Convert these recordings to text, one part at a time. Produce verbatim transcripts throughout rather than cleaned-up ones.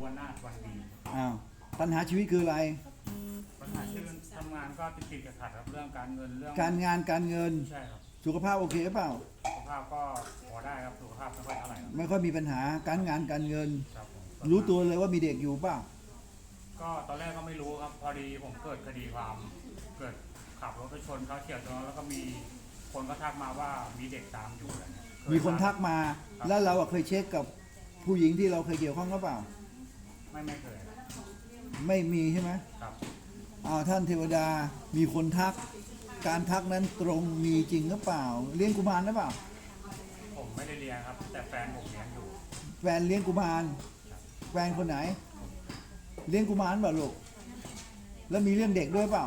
วนาถวันดีอ้าวปัญหาชีวิตคืออะไรปัญหาที่ทำงานก็ติดติดขัดครับเรื่องการเงินเรื่องการงานการเงินใช่ครับสุขภาพโอเคเปล่าสุขภาพก็พอได้ครับสุขภาพไม่ค่อยเท่าไหร่ครับไม่ค่อยมีปัญหาการงานการเงินครับผมรู้ตัวเลยว่ามีเด็กอยู่เปล่าก็ตอนแรกก็ไม่รู้ครับพอดีผมเกิดคดีความเกิดขับรถไปชนเขาเฉียวชนแล้วก็มีคนก็ทักมาว่ามีเด็กตามอยู่อะไรเงี้ยเยมีคนทักมา แล้วเราอะเคยเช็คกับผู้หญิงที่เราเคยเกี่ยวข้องหรือเปล่าไม่ไม่เคยไม่มีใช่ไหมครับอ้าวท่านเทวดามีคนทัก การทักนั้นตรงมีจริงหรือเปล่า เลี้ยงกุมารหรือเปล่าผมไม่ได้เรียนครับ แต่แฟนผมเรียนอยู่แฟนเลี้ยงกุมารแฟนคนไหน เลี้ยงกุมารเปล่าลูกแล้วมีเรื่องเด็กด้วยเปล่า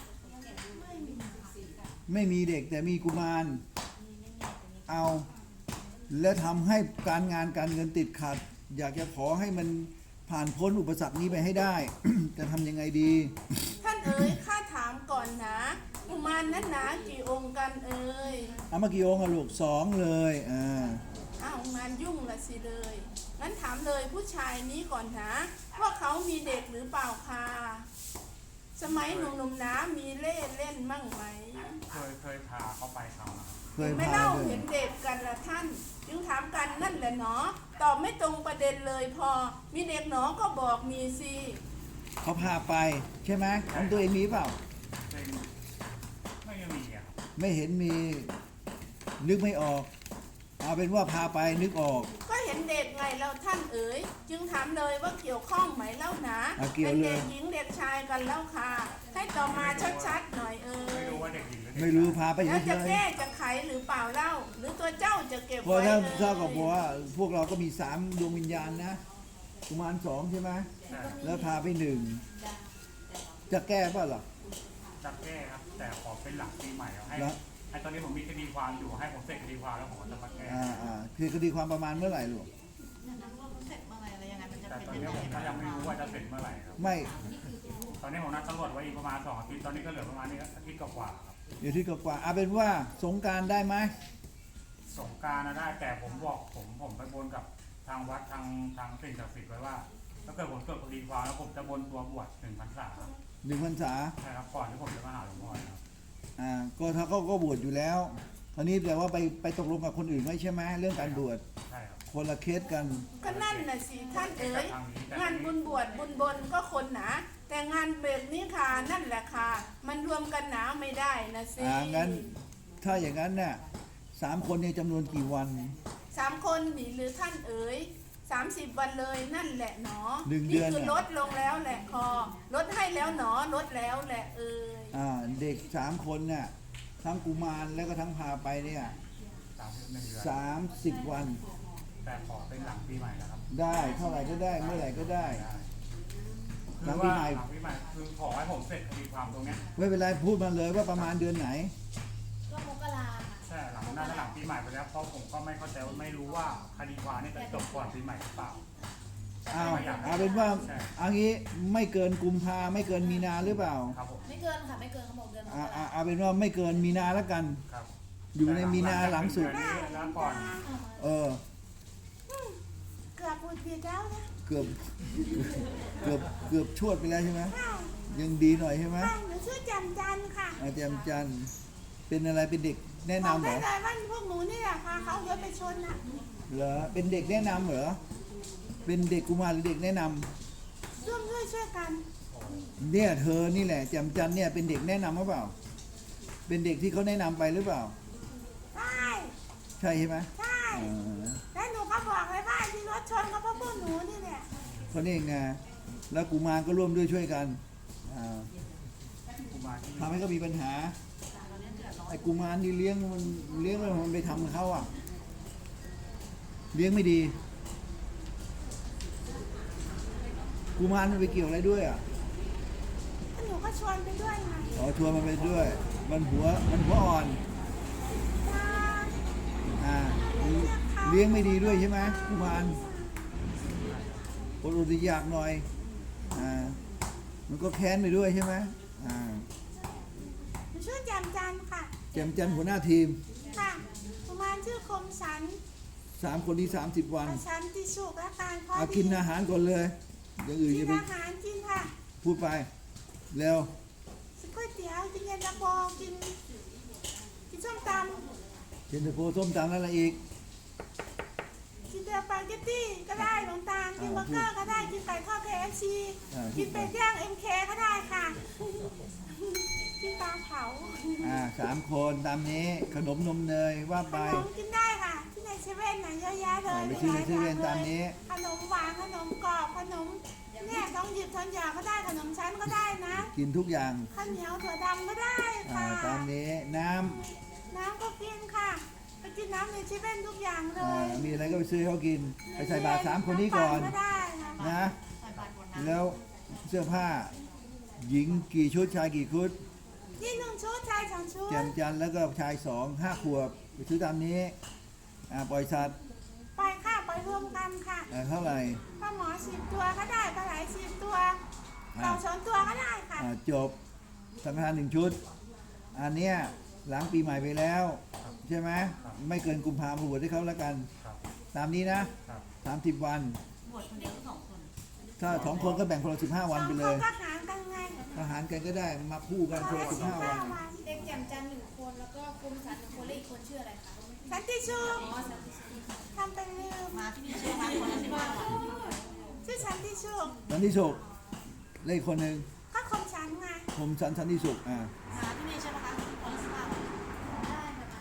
ไม่มีเด็กแต่มีกุมารเอาและทำให้การงานการเงินติดขัด อยากจะขอให้มันผ่านพ้นอุปสรรคนี้ไปให้ได้ จะทำยังไงดีท่านเอ๋ยข้าถามก่อนนะกุมารนั้นหนากี่องค์กันเอ๋ยเอามากี่องค์อะลูกสองเลยอ่าอ้าวงานยุ่งละสิเลยงั้นถามเลยผู้ชายนี้ก่อนนะว่าเขามีเด็กหรือเปล่าคะสมัยหนุ่มๆนะมีเล่เล่นมั่งไหมเคยเคยพาเขาไปเขามาเคยไม่พาเล่าด้วยเห็นเด็กกันละท่าน จึงถามกันนั่นแหละเนาะตอบไม่ตรงประเด็นเลยพอ มีเด็กหนอก็บอกมีสิเขาพาไปใช่ไหมของตัวเองมีเปล่าเป็นไม่มีอะครับไม่เห็นมีนึกไม่ออก เอาเป็นว่าพาไปนึกออกก็เห็นเด็กไงเราท่านเอ๋ยจึงถามเลยว่าเกี่ยวข้องไหมเล่านะอ่ะเกี่ยวเป็นเลยเด็กหญิงเด็กชายกันเล่าค่ะ ให้ต่อมาชัดๆหน่อยเอ๋ไม่ยรู้ว่าเด็กหญิงหรือเด็กไม่รู้พาไปเฉแล้วจะยแก้จะไขหรือเปล่าเล่า หรือตัวเจ้าจะเก็บๆเพราะไว้ถ้าเอ่ยเท่ากับบอกว่าพวกเราก็มีสามดวงวิญญาณนะกุมารสองใช่ไหมใช่แล้วพาไปหนึ่งจะแก้ป่ะล่ะจะแก้ครับ แต่ขอเป็นหลังปีใหม่เอาให้แล้วให้ตอนนี้ผมมีคดีความอยู่ให้ผมเสร็จคดีความแล้วผมก็จะมาแก้อ่าอ่าคือคดีความประมาณเมื่อไหร่ลูกเสร็จเมื่อไหร่อะไรยังไงมันจะแต่เป็นตอนยังนี้ไงผมก็ยังไม่รู้ว่าจะเสร็จเมื่อไหร่ครับไม่ตอนนี้ผมนัดตำรวจไว้อีกประมาณสองอาทิตย์ตอนนี้ก็เหลือประมาณนี้อาทิตย์กว่าๆครับอยู่ที่กว่าๆเอาเป็นว่าสงกรารได้ไหมสงกรารนะได้แต่ผมบอกผมผมไปบนกับทางวัดทางทางสิ่งศักดิ์สิทธิ์ไว้ว่าถ้าเกิดผมเกิดคดีความแล้วผมจะบนตัวบวชหนึ่งพรรษาหนึ่งพรรษาใช่ครับก่อนที่ผมจะมาหาหลวงพ่อนะครับอ่าก็ถ้าเขาก็บวชอยู่แล้วคราวนี้แปลว่าไปไปตกลงกับคนอื่นไว้ใช่ไหมเรื่องการบวชใช่ครับคนละเคสกันก็นั่นน่ะสิท่านเอ๋ยงานบุญบวชบุญบนก็คนหนา แต่งานเบรกนี้ค่ะนั่นแหละค่ะ มันรวมกันหนาไม่ได้นะสิอ่างั้น ถ้าอย่างนั้นเนี่ยสามคนเนี่ยจำนวนกี่วันสามคนหนีหรือท่านเอ๋ยสามสิบวันเลยนั่นแหละหนอหนึ่งเดือนคือน่ะลดลงแล้วแหละคอลดให้แล้วหนอลดแล้วแหละเอ๋ยอ่าเด็กสามคนเนี่ยทั้งกุมารแล้วก็ทั้งพาไปเนี่ยสามสิบหนึ่งเดือนสามสิบวันแต่ขอเป็นหลังปีใหม่นะครับได้เท่าไหร่ก็ได้เมื่อไหร่ก็ได้ หลัคืงอปีว่าใหม่หลังปีใหม่คือขอให้ผมเสร็จคดีความตรงเนี้ยไม่เป็นไรพูดมาเลยว่าประมาณเดือนไหนก็มกราค่ะใช่หลังน่าจะหลังปีใหม่ไปแล้วเพราะผมก็ไม่เข้าใจว่าไม่รู้ว่าคดีความเนี่ยจะจบก่อนปีใหม่หรือเปล่าเอาเอาเป็นว่าใช่เอางี้ไม่เกินกุมภาไม่เกินมีนาหรือเปล่าครับผมไม่เกินค่ะไม่เกินเขาบอกเดือนมกอ่าราอ่าเอาเป็นว่าไม่เกินมีนาแล้วกันครับอยู่ในมีนาหลังสุดเดือนนี้แล้วก่อนเออเกือบพูดผิดแล้วนะเกือบเกือบเกือบชวดไปแล้วใช่ไหมยังดีหน่อยใช่ไหมค่ะหนูชื่อแจันจันค่ะอาจารย์จันทร์เป็นอะไรเป็นเด็กแนะบอกนำเหรได้อเลยว่าพวกหนูนี่แหละพาเขารถไปชนนะเหรอเป็นเด็กแนะนำเหรอเป็นเด็กกุมารหรือเด็กแนะนำร่วมด้วยช่วยกันเนี่ยเธอนี่แหละแจมจันทร์เนี่ยเป็นเด็กแนะนำหรือเปล่า เป็นเด็กที่เขาแนะนำไปหรือเปล่าใช่ใช่ใช่ไหมใช่เออแล้วหนูก็บอกเลยว่าที่รถชนก็เพราะพวกหนูนี่แหละเขาเนี่ยไงแล้วกุมารก็ร่วมด้วยช่วยกันอ่ากุมารที่ทำให้เขามีปัญหาไอ้กุมารนี่เลี้ยงมันเลี้ยงแล้วมันไปทำกับเขาอ่ะเลี้ยงไม่ดีกุมารมันไปเกี่ยวอะไรด้วยอ่ะแล้วหนูก็ชวนไปด้วยไงอ๋อชวนมันไปด้วย มันหัวมันหัวอ่อนจ้าอ่าเลี้ยงไม่ดีด้วยใช่ไหมกุมารอดอดอยากหน่อยอ่ามันก็แค้นไปด้วยใช่ไหมอ่าหนูชื่อแจมจันค่ะแจมจันทร์หัวหน้าทีมค่ะประมาณชื่อคมสันสามคนที่สามสิบวันประชันติสุขและการข้อเอาดีกินอาหารก่อนเลยคอย่างอื่นกิอย่าน ไปอาหารกินค่ะพูดไปเร็วก๋วยเตี๋ยวกินเย็นตาโฟกินกินส้มตเย็นตาโฟส้มตำแล้วอะไรอีกำกินสปาเกตตี้ก็ได้หลวงตากินเบอร์เกอร์ก็ได้กินไก่ทอด เค เอฟ ซีอ่ากินเป็ดย่าง เอ็ม เค ก็ได้ค่ะ กินปลาเผาอ่าสามคนตามนี้ขนมนมเนยว่าขไปนมกินได้ค่ะ ที่ในเซเว่นน่ะเยอะแยะเลยอ่าไปซื้อในเซเว่นตามนี้ขนมหวานขนมกรอบขนมเนี่ยท้องหยิบท้องหยาก็ได้ขนมชั้นก็ได้นะกินทุกอย่างข้าวเหนียวถั่วดำก็ได้อ่าค่ะตามนี้น้น้ำก็กินค่ะไปกินน้ำในเซเว่นทุกอย่างำเลอ่าย มีอะไรก็ไปซื้อให้เขากินไปใส่บาตรสามคนนี้ก่อนำปั่ก็ได้ค่ะนะใส่บาตรหมดน้ำแล้วเสื้อผ้า หญิงกี่ชุดชายกี่ชุดที่หนึ่งชุดชายสองชุดแจมจันทร์แล้วก็ชายสองห้าขวบไปซื้อตามนี้อ่าปล่อยสัตว์ไปค่ะไปรวมกันค่ะอ่าเท่าไหร่ปลาหมอสิบตัวก็ได้ปลาไหลสิบตัวอ่าเต่าสองตัวก็ได้ค่ะอ่าจบสังฆทานหนึ่งชุด อันเนี้ยหลังปีใหม่ไปแล้ว ใช่ไหมไม่เกินกุมภาพันธ์บวชให้เขาแล้วกันครับตามนี้นะครับ สามสิบวันบวชคนเดียวหรือสองคนถ้าสองคนก็แบ่งคนละสิบห้าวันไปเลสองยคนก็หารกันไงอาหารกันก็ได้มาคู่กันคนละสิบห้าวันเด็กแจ่มจันทร์หนึ่งคนแล้วก็กรมสรรหนึ่งคนและอีกคนชื่ออะไรคะสันติสุขอ๋อสันติสุขทำเป็นลืมมาที่นี่ชื่อมาคนละสิบห้าวันชื่อสันติสุขสันติสุขเลขคนหนึ่งก็คมฉันไงผมสันสันติสุขอ่ามาที่นี่ใช่ไหมคะคนละสิบห้าวันได้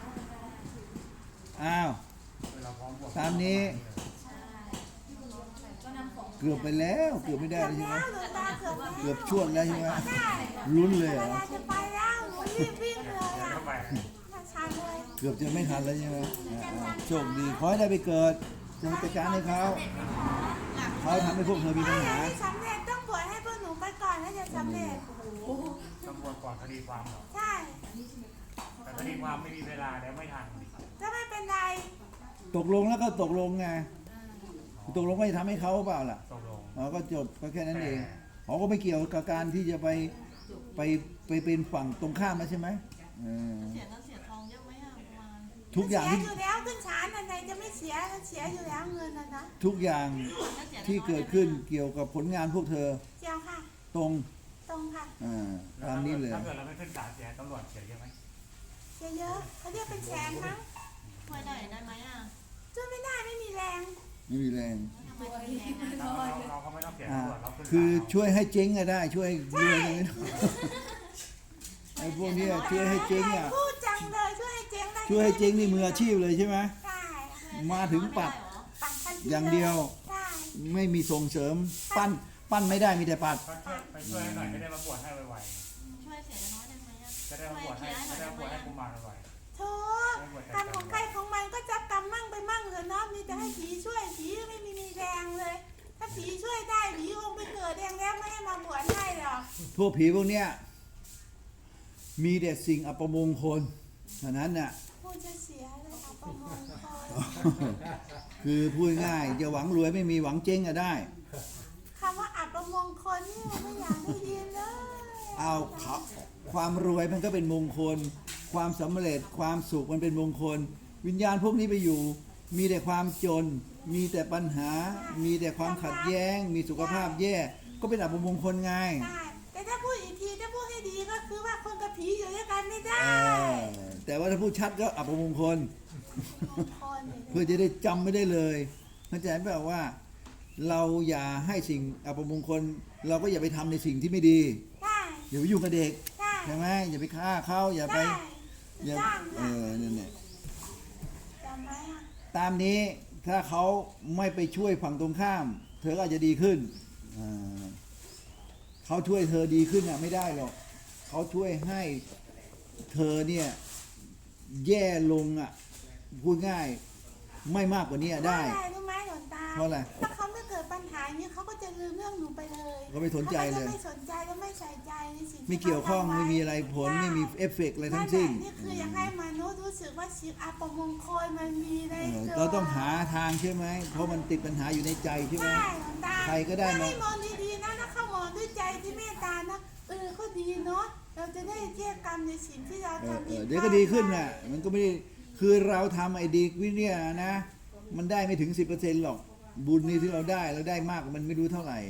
ค่ะอ้าวเวลาพร้อมบวชตามนี้ใช่ก็นำของเกือบไปแล้วเกือบไม่ได้เกือบเลยใช่ไหมแล้วหลวงตาเกือบแล้วเกือบชวดแล้วใช่ไหมได้ลุ้นเลยเวเหรอลาจะไปแล้วหนูรีบวิ่งเลยเดี๋ยวอ่ะเข้าไปมาชันเลยเกือบจะไม่ทันแล้วใช่ไหมอ่าอ่าโชคดีขอให้ได้ไปเกิดจะจัดการให้เขาเขาทำให้พวกเธอมีปัญถ้าอยาหากให้สำเร็จต้องบวชให้พวกหนูไปก่อนแล้วจะสำเร็จตำรวจก่อนคดีความเหรอใช่แต่คดีความไม่มีเวลาแล้วไม่ทันถ้าไม่เป็นไรตกลงแล้วก็ตกลงไงตกลงว่าจะทำให้เขาเปล่าล่ะตกลงอ๋อก็จบก็แค่นั้นเองเขาก็ไม่เกี่ยวกับการที่จะไปไปไปเป็นฝั่งตรงข้ามนะใช่ไหมเออเสียเงินเสียทองเยอะไหมอ่ะประมาณทุกอย่างเสียที่อยู่แล้วขึ้นศาลอะไรจะไม่เสียเสียอยู่แล้วเงินนะนะทุกอย่างถ้าเสียที่เกิดขึ้นเกี่ยวกับผลงานพวกเธอเจียวค่ะตรงตรงค่ะอ่าแล้วตามนี้เลยถ้าเกิดเราไม่ขึ้นศาลเสียตำรวจเสียเยอะไหมเสียเยอะเขาเรียกเป็นแสนมั้งช่วยได้ได้ไหมอ่ะช่วยไม่ได้ไม่มีแรงไม่มีแรงทำไมถึงแรงอ่ะเราเราเราก็ไม่ต้องเสียอ่าตำรวจเราขึ้นศาลคือช่วยให้เจ๊งก็ได้ ช่วยรวยก็ไม่ได้ไอ้พวกเนี้ยช่วยให้เจ๊งอ่ะพูดจังเลยช่วยให้เจ๊งได้ช่วยให้เจ๊งนี่มืออาชีพเลยใช่ไหมใช่มาถึงปัดปัดทันทีอย่างเดียวใช่ไม่มีส่งเสริม ปั้นปั้นไม่ได้มีแต่ปัดก็ช่วยไปช่วยให้หน่อยจะได้มาบวชให้ไวช่วยเสียน้อยได้ไหมอ่ะๆจะได้มาบวชให้จะได้มาบวชให้กุมารไวโธ่กรรมของใครของมันก็จะกรรมมั่งไปมั่งเลยเนาะมีแต่ให้ผีช่วยผีไม่มีมีแรงเลย ถ้าผีช่วยได้ผีคงไปเกิดเองแล้วไม่ให้มาบวชให้หรอกพวกผีพวกเนี้ยมีแต่สิ่งอัปมงคลฉะนั้นน่ะพูดจะเสียเลยค่ะประมงคลคือพูดง่ายจะหวังรวยไม่มีหวังเจ๊งก็ได้คำว่าอับประมงคลนี่ไม่อยากได้ยินเลยเอาเขาความรวยมันก็เป็นมงคล ความสำเร็จความสุขมันเป็นมงคล วิญญาณพวกนี้ไปอยู่ มีแต่ความจน มีแต่ปัญหา มีแต่ความขัดแย้ง มีสุขภาพแย่ ก็เป็นอัปมงคลไงใช่แต่ถ้าพูดอีกทีถ้าพูดให้ดีก็คือว่าคนกับผีอยู่ด้วยกันไม่ได้เออแต่ว่าถ้าพูดชัดก็อัปมงคลมงคลเนี่ยเพื่อจะได้จำไม่ได้เลยเข้าใจไหมว่า เราอย่าให้สิ่งอัปมงคล เราก็อย่าไปทำในสิ่งที่ไม่ดีได้อย่าไปยุ่งกับเด็กได้ใช่ไหมอย่าไปฆ่าเขาอย่าไปได้อย่าจ้างเอค่ะอนั่นแหละจำไว้ค่ะตามนี้ถ้าเขาไม่ไปช่วยฝั่งตรงข้าม เธอก็อาจจะดีขึ้นอ่าเขาช่วยเธอดีขึ้นอ่ะไม่ได้หรอกเขาช่วยให้เธอเนี่ยแย่ลงอ่ะพูดง่ายไม่มากกว่านี้อะได้เพราะอะไรรู้ไหมหลวงตาเพราะอะไรถ้าเขาไม่เกิดปัญหาอย่างนี้เขาก็จะลืมเรื่องหนูไปเลยเขาไม่สนใจเลยขาก็จะไม่สนใจและไม่ใส่ใจในสิ่งที่ไม่เกี่ยวข้องขาทำว้ไม่มีอะไรผลใช่ไม่มีเอฟเฟกต์อะไรทั้งสิ้นแหละนี่คืออยากให้มนุษย์รู้สึกว่าสิ่งอัปมงคลมันมีในเออตัวเราต้องหาทางใช่ไหมเพราะมันติดปัญหาอยู่ในใจใช่ไหมใช่หลวงตาใครก็ได้ถ้ามาให้มองดีๆนะถ้าเขามองด้วยใจที่เมตตานะเออก็ดีเนาะเราจะได้แยกกรรมในสิ่งที่เราเออทำเอผิอดเดี๋ยวก็ดีขึ้นน่ะมันก็ไม่ได้คือเราทำไอ้ดีวิเนี่ยนะ มันได้ไม่ถึง สิบเปอร์เซ็นต์ หรอกบุญนี่ที่เราได้เราได้มากมันไม่รู้เท่าไหร่ใ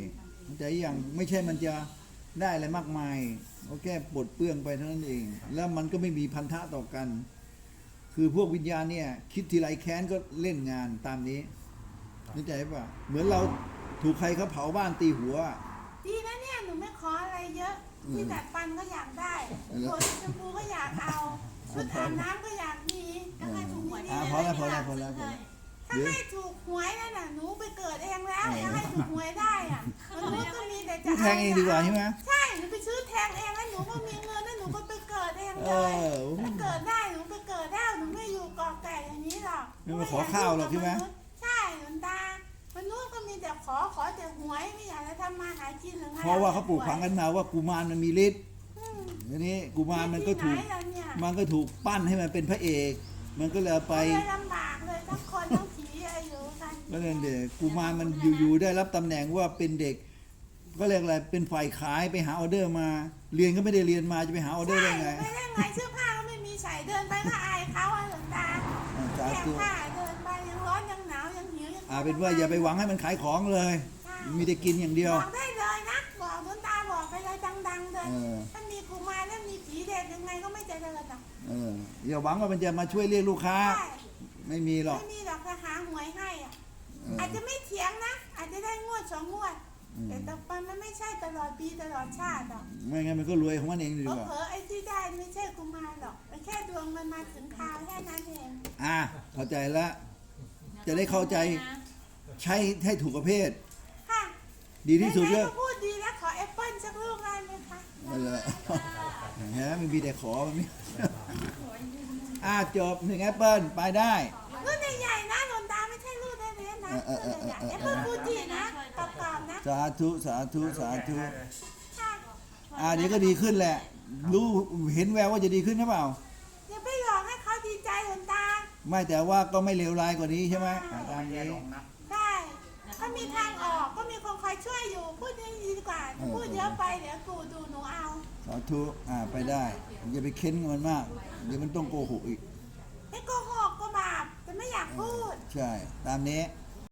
แต่อย่างไม่ใช่มันจะได้อะไรมากมายก็แค่ปลดเปลื้องไปเท่านั้นเอง แล้วมันก็ไม่มีพันธะต่อกัน คือพวกวิญญาณเนี่ยคิดทีไรแค้นก็เล่นงานตามนี้เข้าใจป่ะเหมือนเราถูกใครเขาเผาบ้านตีหัวดีนะเนี่ยหนูไม่ขออะไรเยอะอืมที่ดัดฟันก็อยากได้แล้วหัวชมพูก็อยากเอาชุดอาบน้ำก็อยากมีถ้าให้ถูกหวยอ่าพอแล้วพอแล้วพอแล้วพอแล้วถ้าให้ถูกหวยนั่นน่ะหนูไปเกิดเองแล้วถ้าให้ถูกหวยได้อ่ะมนุษย์ก็มีแต่จะผู้แทงเองดีกว่าใช่ไหมใช่หนูไปซื้อแทงเองแล้วหนูก็มีเงินแล้วหนูก็ไปเกิดเองเอเลยอถ้าเกิดได้หนูไปเกิดได้หนูไม่อยู่กอกแก่อย่างนี้หรอกไม่มาขอข้าวหรอกใช่ไหมใช่หลวงตามนุษย์ก็มีแต่ขอขอแต่หวยไม่อยากจะทำมาหากินหรือไงเพราะว่าเขาปลูกฝังกันมาว่ากุมารมันมีฤทธิ์อืมทีนี้กุมารมันก็ถูกที่ไหนล่ะเนี่ยมันก็ถูกปั้นให้มันเป็นพระเอก มันก็เลยเอาไปเลยลำบากเลยทั้งคนทั้งผีอะไรอยู่กันก็เลยเด็กกุมารมันอยู่ๆได้รับตำแหน่งว่าเป็นเด็ก ก็เรียกอะไรเป็นฝ่ายขายไปหาออเดอร์มา เรียนก็ไม่ได้เรียนมาจะไปหาออเดอร์ได้ไงไม่ได้ไงเสื้อผ้าก็ไม่มีใส่เดินไปก็อายเขาอะหลวงตาอ่าสาแขธุกผ้าเดินไปยังร้อนยังหนาวยังหิวยังอ่าเป็นว่าอย่าไปหวังให้มันขายของเลย มีแต่กินอย่างเดียวบอกได้เลยนะบอกหลวงตาบอกไปเลยดังๆเลยเออถ้ามีกุมารแล้วมีผีเด็กยังไงก็ไม่เจริญหรอกเอออย่าหวังว่ามันจะมาช่วยเรียกลูกค้าใช่ไม่มีหรอกไม่มีหรอกจะหาหวยให้อ่ะเอออาจจะไม่เถียงนะ อาจจะได้งวดสองงวดอืมแต่ต่อไปมันไม่ใช่ตลอดปีตลอดชาติหรอกไม่งั้นมันก็รวยของมันเองดีกว่าเผลอๆไอ้ที่ได้ไม่ใช่กุมารหรอกมันแค่ดวงมันมาถึงคราวแค่นั้นเองอ่าเข้าใจแล้ว จะได้เข้าใจใช้ให้ถูกประเภทค่ะดีที่สุดไหนก็ๆก็พูดดีแล้วขอแอปเปิ้ลสักลูกได้ไหมคะนั่นแหละฮะมันมีแต่ขอมันไม่อ่าจบหนึ่งแอปเปิลไปได้รุ่นใหญ่ๆนะหลวงตาไม่ใช่รุ่นเล็กๆนะเออเอรุ่อน เออใหญ่เออๆแอปเปิ้ลฟูจินะกรอบๆนะสาธุสาธุสาธุค่ะอ่าเดี๋ยวก็ดีขึ้นแหละ รู้เห็นแววว่าจะดีขึ้นหรือเปล่าอย่าไปหลอกให้เขาดีใจหลวงตาไม่แต่ว่าก็ไม่เลวร้ายกว่านี้ใช่ไหมอ่าตามแย่นี้ลงนะใช่ถ้ามีทางออกก็มีคนคอยช่วยอยู่ พูดดีๆดีกว่า พูดเยอะไปเดี๋ยวกูดูหนูเอาสาธุอ่าไปได้ อย่าไปเค้นมันมาก เดี๋ยวมันต้องโกหกอีกไม่โกหกก็บาปแต่ไม่อยากพูดใช่ ตามนี้ค